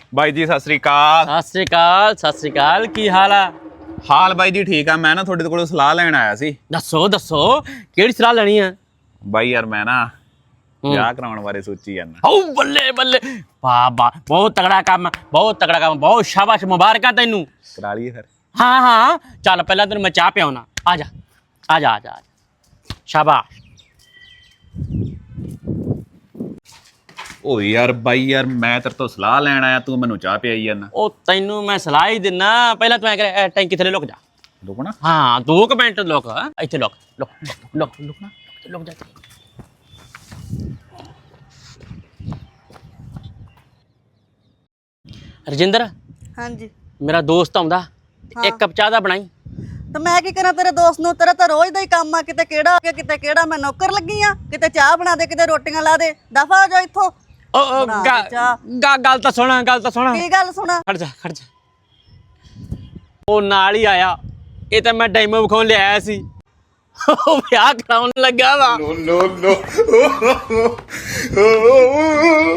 ਬਾਈ ਜੀ ਸਤਿ ਸ੍ਰੀ ਅਕਾਲ। ਸਤਿ ਸ੍ਰੀ ਅਕਾਲ, ਸਤਿ ਸ੍ਰੀ ਅਕਾਲ। ਕੀ ਹਾਲ ਆ? ਹਾਲ ਬਾਈ ਜੀ ਠੀਕ ਆ। ਮੈਂ ਨਾ ਤੁਹਾਡੇ ਕੋਲੋਂ ਸਲਾਹ ਲੈਣ ਆਇਆ ਸੀ। ਦੱਸੋ ਦੱਸੋ, ਕਿਹੜੀ ਸਲਾਹ ਲੈਣੀ ਆ? ਬਾਈ ਯਾਰ ਮੈਂ ਨਾ ਵਿਆਹ ਕਰਾਉਣ ਬਾਰੇ ਸੋਚੀ ਜਾਂਦਾ। ਓ ਬੱਲੇ ਬੱਲੇ, ਵਾਹ ਵਾਹ, ਬਹੁਤ ਤਗੜਾ ਕੰਮ, ਬਹੁਤ ਤਗੜਾ ਕੰਮ, ਬਹੁਤ ਸ਼ਾਬਾਸ਼, ਮੁਬਾਰਕਾਂ ਤੈਨੂੰ। ਕਰਾ ਲਈਏ ਫਿਰ। ਹਾਂ ਹਾਂ, ਚੱਲ ਪਹਿਲਾਂ ਤੈਨੂੰ ਮੈਂ ਚਾਹ ਪਿਆਉਣਾ। ਆ ਜਾ ਆ ਜਾ ਆ ਜਾ, ਸ਼ਾਬਾਸ਼। ਓ ਯਾਰ ਬਾਈ ਯਾਰ ਮੈਂ ਤੇਰੇ ਤੋਂ ਸਲਾਹ ਲੈਣ ਆਇਆ, ਤੂੰ ਮੈਨੂੰ ਚਾਹ ਪਿਆਈ ਜਾਂਦਾ। ਉਹ ਤੈਨੂੰ ਮੈਂ ਸਲਾਹ ਹੀ ਦਿੰਨਾ। ਪਹਿਲਾਂ ਤੂੰ ਐ ਕਰ, ਟੈਂਕੀ ਥੱਲੇ ਲੁਕ ਜਾ। ਰੁਕਣਾ? ਹਾਂ 2 ਮਿੰਟ ਲੁਕ। ਇੱਥੇ ਲੁਕ ਲੁਕ ਲੁਕ ਲੁਕ ਨਾ, ਲੁਕ ਜਾ। ਰਜਿੰਦਰ, ਹਾਂਜੀ। ਮੇਰਾ ਦੋਸਤ ਆਉਂਦਾ, ਇੱਕ ਕੱਪ ਚਾਹ ਦਾ ਬਣਾਈ। ਤੇ ਮੈਂ ਕੀ ਕਰਾਂ ਤੇਰੇ ਦੋਸਤ ਨੂੰ? ਤੇਰਾ ਤਾਂ ਰੋਜ਼ ਦਾ ਹੀ ਕੰਮ ਆ, ਕਿਤੇ ਕਿਹੜਾ ਆ ਗਿਆ, ਕਿਤੇ ਕਿਹੜਾ। ਮੈਂ ਨੌਕਰ ਲੱਗੀ ਆ? ਕਿਤੇ ਚਾਹ ਬਣਾ ਦੇ, ਕਿਤੇ ਰੋਟੀਆਂ ਲਾ ਦੇ। ਦਫਾ ਹੋ ਜਾ ਇੱਥੋਂ। ਓ ਬਣਾ ਦੇ ਚਾਹ। ਗੱਲ ਤਾਂ ਸੁਣਾ, ਗੱਲ ਤਾਂ ਸੁਣਾ। ਕੀ ਗੱਲ ਸੁਣਾ? ਖੜ ਜਾ ਖੜ ਜਾ। ਉਹ ਨਾਲ ਹੀ ਆਇਆ, ਇਹ ਤਾਂ ਮੈਂ ਡੈਮੋ ਵਿਖਾਉਣ ਲਿਆਇਆ ਸੀ। ਉਹ ਵਿਆਹ ਕਰਾਉਣ ਲੱਗਾ ਵਾ। ਨੋ